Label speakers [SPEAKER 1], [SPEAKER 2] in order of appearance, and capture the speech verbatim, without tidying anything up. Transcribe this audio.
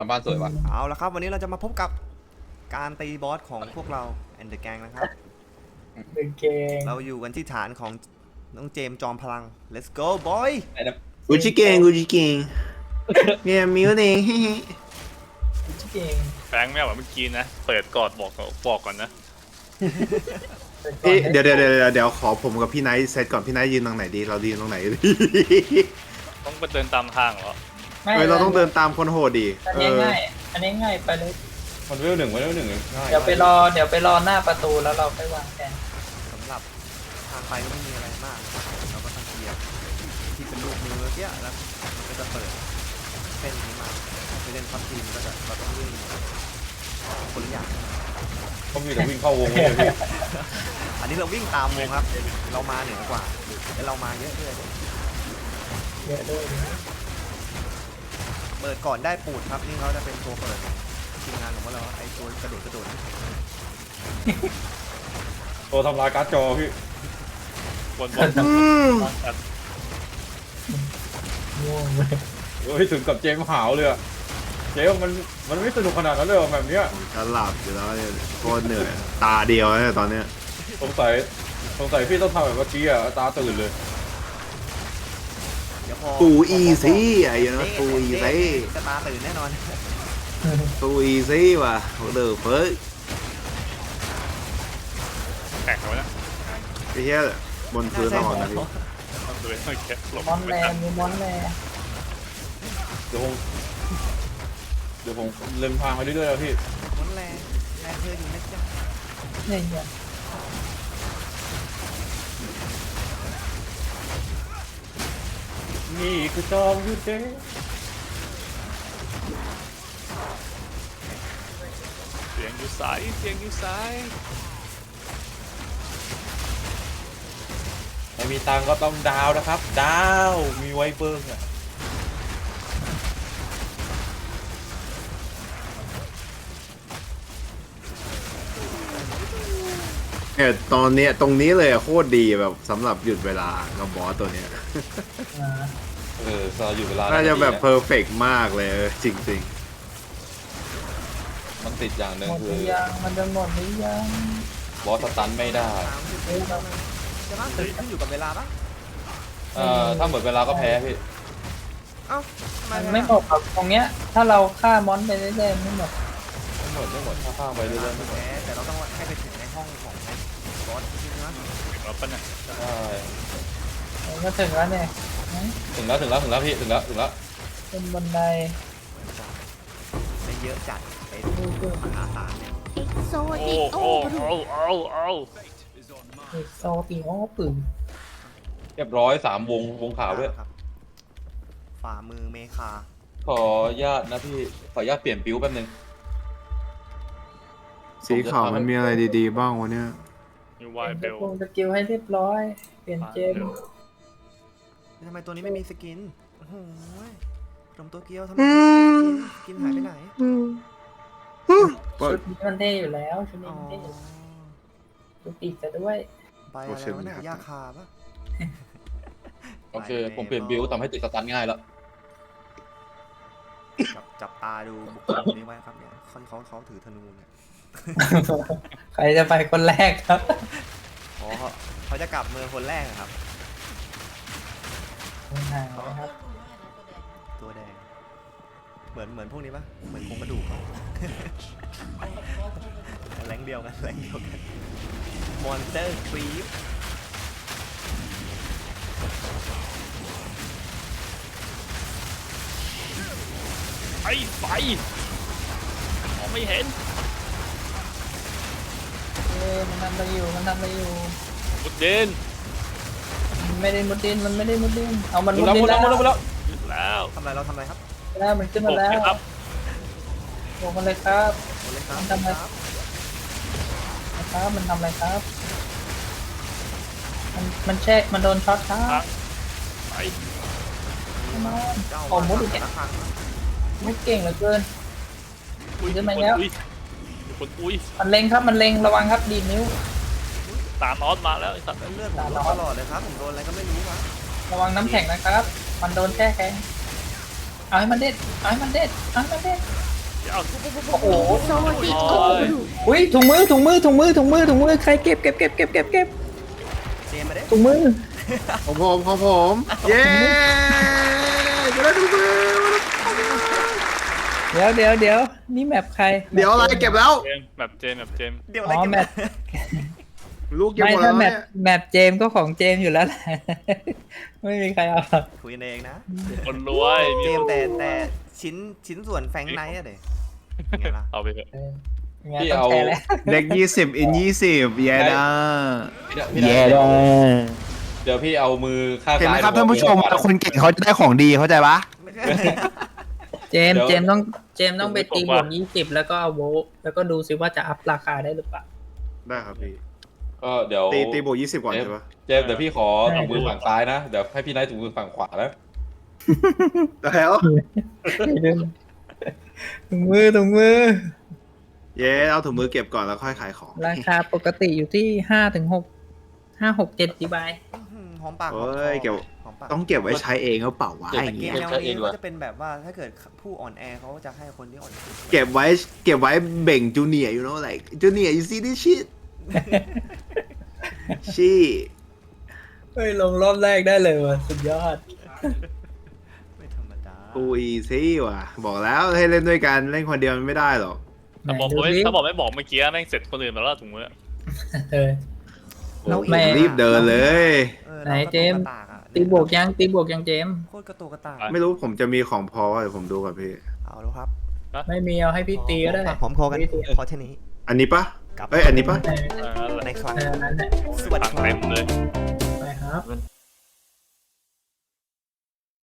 [SPEAKER 1] ทำบ้านสวยว่ะ
[SPEAKER 2] เอาละครับวันนี้เราจะมาพบกับการตีบอสของพวกเราแอนเดอร์แกงนะครับ
[SPEAKER 3] เป็นเกง
[SPEAKER 2] เราอยู่กันที่ฐานของน้องเจมส์จอมพลัง let's go boy
[SPEAKER 1] ไอ้นั่น
[SPEAKER 4] กูจิเก่งกูจิเก่งเนี่ยมิวเองเฮ้ย
[SPEAKER 3] ชื่อเกง
[SPEAKER 5] แฟงไม่เอาแบบเมื่อกี้นะ เปิดกอดบอกบอกก่อนนะ
[SPEAKER 4] เอ๊ะเดี๋ยวเดี๋ยวเดี๋ยวเดี๋ยวขอผมกับพี่ไนท์เซตก่อนพี่ไนท์ยืนตรงไหนดีเรายืนตรงไหนดี
[SPEAKER 5] ต้องไปเดินตามทางเหรอ
[SPEAKER 3] ไม่
[SPEAKER 4] เฮ้ยเราต้องเดินตามคนโหดดี
[SPEAKER 3] อัน
[SPEAKER 4] เอ
[SPEAKER 3] นี้
[SPEAKER 4] อ
[SPEAKER 3] ง่าย อันนี้ง่ายไปเลย
[SPEAKER 1] มันเวลหนึ่งมันเวลหนึ่งง่าย
[SPEAKER 3] เดี๋ยวไปรอ เดี๋ยวไปรอหน้าประตูแล้วเราไปวางแผน
[SPEAKER 2] สำหรับทางไปก็ไม่มีอะไรมากเราก็ต้องเคลียร์ที่เป็นลูกมือเมื่อกี้แล้วมันก็จะเปิดเส้นนี้มาไปเล่นพับทีมก็จะเราต้องวิ่งคนละอย่าง
[SPEAKER 1] ต้องมีแต่วิ่งเข้าวงเลยพี่
[SPEAKER 2] อันนี้เราวิ่งตามวงครับเรามาเหนือกว่าแต่เรามาเยอะด้วย
[SPEAKER 3] เยอะด้วยนะ
[SPEAKER 2] เปิดก่อนได้ปูดครับนี่เขาจะเป็นตัวเปิดทีมงานของพวกเราไอ้ตัวกระโดดกระโดด
[SPEAKER 1] ตัวทำลายการ์ดจอพี่
[SPEAKER 5] บนบน
[SPEAKER 4] อืม
[SPEAKER 5] ตัด
[SPEAKER 3] ง่วงเลย
[SPEAKER 1] เฮ้ยถึงกับเจมส์หาวเลยอะเจมส์มันมันไม่สนุกขนาดนั้นเลยเหรอแบบเนี้ย
[SPEAKER 4] ผมจะหลับอยู่แล้วเนี่ยโคตรเหนื่อยตาเดียวเนี่ยตอนเนี้ย
[SPEAKER 1] สงสัยสงสัยพี่ต้องทำแบบเมื่อกี้อะตาตื่นเลย
[SPEAKER 2] เดี๋ยวพอ
[SPEAKER 4] ตูอีซี่ไอ้เนาะตูอีซี่
[SPEAKER 2] จะตาตื่นแน่นอน
[SPEAKER 4] ตูอีซี่ว่ะเดือเฟ้ย
[SPEAKER 5] แข่งเขานะ
[SPEAKER 4] ไอ้เหี้ยบนพื้นเราอ่อนนะพี่
[SPEAKER 5] ต้องดูต้องแค่หลบ
[SPEAKER 3] มอนแร
[SPEAKER 5] ไม่ทัน
[SPEAKER 3] มีมอนแร
[SPEAKER 1] เดี๋ยวผมเดี๋ยวผมเล็มทางไปเรื่อยๆแล้วพี่
[SPEAKER 2] มันแรงแรงเธออยู่นะจ๊ะ
[SPEAKER 3] เนี่ยเนี่ย
[SPEAKER 1] นี่คือจอมยุทธเด้
[SPEAKER 5] เสียงอยู่สายเสียงอยู่สาย
[SPEAKER 1] ไม่มีตังค์ก็ต้องดาวนะครับ ดาวมีไว้เบิ้งอะ
[SPEAKER 4] เนี่ยตอนเนี้ยตรงนี้เลยอะโคตรดีแบบสำหรับหยุดเวลากับบอสตัวเนี้ย
[SPEAKER 3] อ่า
[SPEAKER 1] เออสอยู่เวลา
[SPEAKER 4] น่าจะแบบ
[SPEAKER 1] ดีน
[SPEAKER 4] เพอร์เฟกต์มากเลยเออจริง
[SPEAKER 1] มันติดอย่างหนึ่ง
[SPEAKER 3] หมดห
[SPEAKER 1] คื
[SPEAKER 3] รือ อยังมันจะหมดหรือยัง
[SPEAKER 1] บอสสตันไม่ได้
[SPEAKER 2] สามสิบวินาทีจะมาตื่นขึ้นอยู่กับเวลาปะ
[SPEAKER 1] เอ่อถ้าหมดเวลาก็แพ้พี่
[SPEAKER 2] เอ้าทำไม
[SPEAKER 3] มันไม่หมดครับตรงเนี้ย ถ้าเราฆ่ามอนไปเรื่อยๆไม่หมด
[SPEAKER 1] ไม่หมดไม่หมดถ้าข้ามไป
[SPEAKER 2] เว
[SPEAKER 1] เรื่
[SPEAKER 2] ลา
[SPEAKER 1] อยๆไม่หมด
[SPEAKER 2] แพ้แต่เราต้องให้ไปถึงในห้องของบอสจริงนะ
[SPEAKER 5] ถึงแล้วปะเนี่ย
[SPEAKER 1] ใช่
[SPEAKER 3] ก็ถึงแล้วเนี่ย
[SPEAKER 1] ถึงแล้วถึงแล้วถึงแล้วพี่ถึงแล้วถึงแล้ว
[SPEAKER 3] เป็นบันได
[SPEAKER 2] ได้เยอะจัดไปมหาศาลเนี่ย
[SPEAKER 5] โอ้โอ้โอ้โอ้โอ้
[SPEAKER 3] เอกโซติโอปืน
[SPEAKER 1] เรียบร้อยสามวงวงขาวด้วย
[SPEAKER 2] ครับฝ่ามือเมคา
[SPEAKER 1] ขออนุญาตนะพี่ขออนุญาตเปลี่ยนปิ้วแป๊บนึง
[SPEAKER 4] ๆ สีขาวมันมีอะไรดีๆบ้างวะเนี่ย
[SPEAKER 5] มีวายเบล
[SPEAKER 3] ลงสกิลให้เรียบร้อย เปลี่ยนเจม
[SPEAKER 2] ทำไมตัวนี้ไม่มีสกินโอ้โหขนมตัวเกียวทำไมไม่มีสกินหายไปไหน
[SPEAKER 3] ชุดนี้มันเท่อยู่แล้วชุดนี้
[SPEAKER 2] อ๋อ
[SPEAKER 3] มันเท่อยู่ดูปีกจะด้วย
[SPEAKER 2] ไปอะไรวะเนี่ยยาคาปะ
[SPEAKER 1] โอเคผมเปลี่ยนบิ้วทำให้ติดสตันง่ายแล้ว
[SPEAKER 2] จับจับตาดูบุคคลคนนี้ไว้ครับเนี่ยเขาเขาเขาถือธนูเนี่ย
[SPEAKER 3] ใครจะไปคนแรกครับ
[SPEAKER 2] อ๋อเขาเขาจะกลับเมืองคนแรกอะครับ
[SPEAKER 3] ห่างนะครับ
[SPEAKER 2] ตัวแดง เหมือนเหมือนพวกนี้ปะเหมือนโครงกระดูก แรงเดียวกันแรงเดียวกันมอนสเตอร์ครีป
[SPEAKER 5] ไอ้ไฟมองไม่เห็น
[SPEAKER 3] เอ้ยมันทำอะไรอยู่ มันทำอะไรอยู่
[SPEAKER 5] มุดเดน
[SPEAKER 3] มันไม่ได้มุดดิน มันไม่ได้มุดดิน เอามัน
[SPEAKER 1] หม
[SPEAKER 3] มุ
[SPEAKER 1] ด
[SPEAKER 3] ด
[SPEAKER 1] แล้ว
[SPEAKER 3] ดิ
[SPEAKER 1] หม
[SPEAKER 3] น
[SPEAKER 1] ดแล้วหมดแล้วหมดแล้ว
[SPEAKER 5] หยุดแล้ว
[SPEAKER 2] ทำอะไรเราทำอะไรครับ
[SPEAKER 3] แล้วมันขึ้น
[SPEAKER 5] ผ
[SPEAKER 3] มาม แล้ว
[SPEAKER 5] นะครับ
[SPEAKER 3] บอกมันเลยครับ
[SPEAKER 2] โอเลยครับ
[SPEAKER 3] ทำไม
[SPEAKER 2] ครับ
[SPEAKER 3] นะครับ มันทำอะไรครับ มันมันแช่มันโดนช็อตครั
[SPEAKER 5] ครับ
[SPEAKER 3] บ
[SPEAKER 5] ไป
[SPEAKER 3] มา
[SPEAKER 2] เจ้า
[SPEAKER 3] โอ้มุดอีกแล้ว
[SPEAKER 2] ละครั้ง
[SPEAKER 3] มุดเก่งเหลือเกิน
[SPEAKER 5] อุ้ย
[SPEAKER 3] ขึ้นมา
[SPEAKER 5] คน
[SPEAKER 3] แล้ว
[SPEAKER 5] อุ้ยมีคนอุ้ย
[SPEAKER 3] มันเล็งครับ มันเล็ง ระวังครับ ดีดนิ้ว
[SPEAKER 5] ตามออสมาแล้วไอ้สัตว์
[SPEAKER 2] เลือดผมลดตลอดเลยครับผมโดนอะไรก็ไม่รู้วะ
[SPEAKER 3] ระวังน้ำแข็งนะครับ มันโดนแช่แข็ง เอาให้มันเด็ด เอาให้มันเด็ด เอาให้มันเด็ด
[SPEAKER 5] เอาปุ๊บปุ๊บปุ๊บ
[SPEAKER 3] โอ้โห
[SPEAKER 5] โอ้ย
[SPEAKER 3] อุ้ยถุงมือถุงมือถุงมือถุงมือถุงมือใครเก็บเก็บเก็บเก็บเก็บเก็บ
[SPEAKER 2] เจมมาเด้
[SPEAKER 3] ถุงมือ
[SPEAKER 4] ของผมของผมเย้จะได้ดูมือ
[SPEAKER 3] เดี๋ยวเดี๋ยวเดี๋ยวนี่แมปใคร
[SPEAKER 4] เดี๋ยวอะไรเก็บแล้ว
[SPEAKER 5] เจมส์แบบเจมส์แบบเจมส์
[SPEAKER 2] เดี๋ยวอะ
[SPEAKER 3] อ๋
[SPEAKER 2] ไร
[SPEAKER 3] อ
[SPEAKER 2] กัน
[SPEAKER 3] แมป
[SPEAKER 4] ลูกเก็บ
[SPEAKER 3] ไม่
[SPEAKER 4] หมดแล้
[SPEAKER 3] ถ้าว แม
[SPEAKER 4] เนี่
[SPEAKER 3] ป
[SPEAKER 4] ย
[SPEAKER 3] แมปเจมส์ก็ของเจมส์อยู่แล้วแหละ ไม่มีใครเอาหรอก
[SPEAKER 2] คุยกันเองนะ
[SPEAKER 5] คนรวย
[SPEAKER 2] เจมแต่แต่ชิ้นชิ้นส่วนแฟงไนท์อะเด็ไงล่ะ
[SPEAKER 5] เอาไปเถอะ
[SPEAKER 3] เอองั้นต้องแชร์แล้ว
[SPEAKER 4] เด็กยี่สิบอินยี่สิบเย้ด้า
[SPEAKER 1] พี่ได้เดี๋ยวพี่เอามือข้าง
[SPEAKER 4] เห็นไหม
[SPEAKER 1] ซ้าย
[SPEAKER 4] ครับท่านผู้ชมคนเก่งเขาจะได้ของดีเข้าใจปะ
[SPEAKER 3] เจมส์เจมส์ต้องเจมส์ต้องไปตีบวกยี่สิบแล้วก็เอาโวลต์แล้วก็ดูซิว่าจะอัพราคาได้หรือเปล่า
[SPEAKER 4] ได้ครับพี่
[SPEAKER 1] ก็เดี๋ยว
[SPEAKER 4] ตีตีบวกยี่สิบก่อนใช่ปะ
[SPEAKER 1] เจมส์เดี๋ยวพี่ขอถุงมือฝั่งซ้ายนะเดี๋ยวให้พี่ไนท์ถุงมือฝั่งขวานะ
[SPEAKER 4] แล้ว
[SPEAKER 3] ถุงมือถุงมือ
[SPEAKER 4] เย้เอาถุงมือเก็บก่อนแล้วค่อยขายของ
[SPEAKER 3] ราคาปกติอยู่ที่ห้าถึงหกห้าหกเจ็ดดีบาย
[SPEAKER 2] หอมปากหอม
[SPEAKER 4] เฮ้ยเก็บ
[SPEAKER 2] หอมปาก
[SPEAKER 4] ต้องเก็บไว้ใช้เองก็เปล่าวะ
[SPEAKER 2] แต่
[SPEAKER 4] อย่าง
[SPEAKER 2] เก
[SPEAKER 4] เงี้
[SPEAKER 2] ม
[SPEAKER 4] ย
[SPEAKER 2] แนวนี้ก็จะเป็นแบบว่าถ้าเกิดผู้อ่อนแอเขาจะให้คนที่อ่อนแอ
[SPEAKER 4] เก็บไว้เก็บไว้เบ่งจูเนียร์อยู่เนาะ like จูเนียร์ you see this shit ชี่
[SPEAKER 3] เฮ้ยลงรอบแรกได้เลยว่ะสุดยอด
[SPEAKER 2] ไม่ธรรมดา
[SPEAKER 4] กูอีซี่ว่ะ บอกแล้วให้เล่นด้วยกันเล่นคนเดียวมันไม่ได้หรอก
[SPEAKER 5] ถ้าบอกไม่ถ้าบอกไม่บอกเมื่อกี้แม่งเสร็จคนอื่นมาแล้วถุงมือ
[SPEAKER 3] เออ
[SPEAKER 2] เรา
[SPEAKER 3] ไม่
[SPEAKER 4] รีบเดินเลย
[SPEAKER 2] ออ
[SPEAKER 3] ไหน
[SPEAKER 2] ราก็
[SPEAKER 3] เจมส์
[SPEAKER 2] กระตากอะ
[SPEAKER 3] ตีบวกยังตีบวกยังเจมส์
[SPEAKER 2] โคตรกระตุกกระตาก
[SPEAKER 4] ไม่รู้ผมจะมีของพอเดี๋ยวผมดูก่อนพี่
[SPEAKER 2] เอาแล้วครับ
[SPEAKER 3] ไม่มีเอาให้พี่ตีก็ได้
[SPEAKER 2] หอมคอกันพอแค่นี้
[SPEAKER 4] อันนี้ปะ
[SPEAKER 2] กลับ
[SPEAKER 4] เอ้ยอันนี้ปะ
[SPEAKER 3] เออ
[SPEAKER 5] เออ
[SPEAKER 2] ในครั้ง
[SPEAKER 3] เออนั่นแหละ
[SPEAKER 2] สวัสดี
[SPEAKER 5] ตัง
[SPEAKER 2] ค
[SPEAKER 5] เต็
[SPEAKER 2] รับ
[SPEAKER 5] มเลย
[SPEAKER 3] ไปครับ